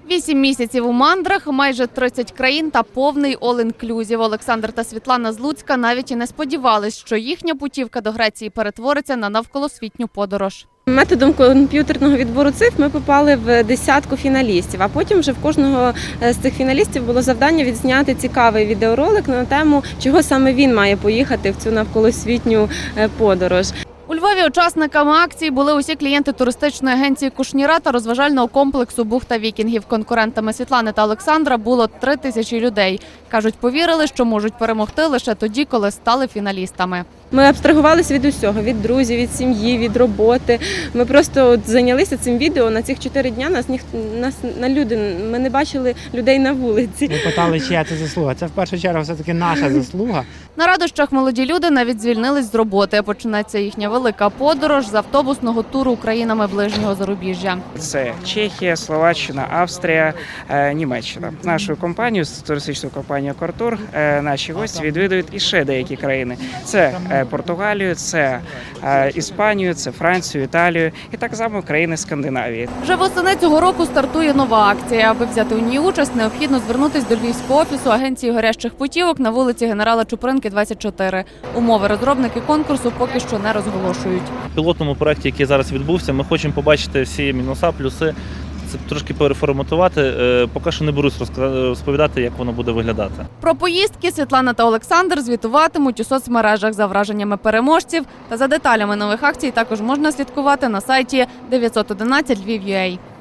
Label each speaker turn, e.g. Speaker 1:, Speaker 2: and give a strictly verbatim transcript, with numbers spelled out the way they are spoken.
Speaker 1: Вісім місяців у мандрах, майже тридцять країн та повний all-inclusive. Олександр та Світлана з Луцька навіть і не сподівались, що їхня путівка до Греції перетвориться на навколосвітню подорож.
Speaker 2: Методом комп'ютерного відбору цифр ми попали в десятку фіналістів, а потім вже в кожного з цих фіналістів було завдання відзняти цікавий відеоролик на тему, чого саме він має поїхати в цю навколосвітню подорож.
Speaker 1: У Львові учасниками акції були усі клієнти туристичної агенції «Кушніра» та розважального комплексу «Бухта вікінгів». Конкурентами Світлани та Олександра було три тисячі людей. Кажуть, повірили, що можуть перемогти лише тоді, коли стали фіналістами.
Speaker 2: Ми абстрагувалися від усього, від друзів, від сім'ї, від роботи. Ми просто от зайнялися цим відео. На цих чотири дня нас ніхто нас на люди. Ми не бачили людей на вулиці.
Speaker 3: Ми питали, чия це заслуга. Це в першу чергу все-таки наша заслуга.
Speaker 1: На радощах молоді люди навіть звільнились з роботи. Почнеться їхня велика подорож з автобусного туру країнами ближнього зарубіжжя.
Speaker 4: Це Чехія, Словаччина, Австрія, Німеччина. Нашу компанію, туристичну компанію «Кортур», наші гості відвідують іще деякі країни. Це Португалію, це Іспанію, це Францію, Італію і так само країни Скандинавії.
Speaker 1: Вже восени цього року стартує нова акція. Аби взяти у ній участь, необхідно звернутися до Львівського офісу агенції горящих путівок на вулиці Генерала Чупринки, двадцять чотири. Умови розробники конкурсу поки що не розголошують.
Speaker 5: В пілотному проєкті, який зараз відбувся, ми хочемо побачити всі мінуса, плюси. Це трошки переформатувати, поки що не берусь розповідати, як воно буде виглядати.
Speaker 1: Про поїздки Світлана та Олександр звітуватимуть у соцмережах. За враженнями переможців та за деталями нових акцій також можна слідкувати на сайті дев'ятсот одинадцять Львів крапка ю а.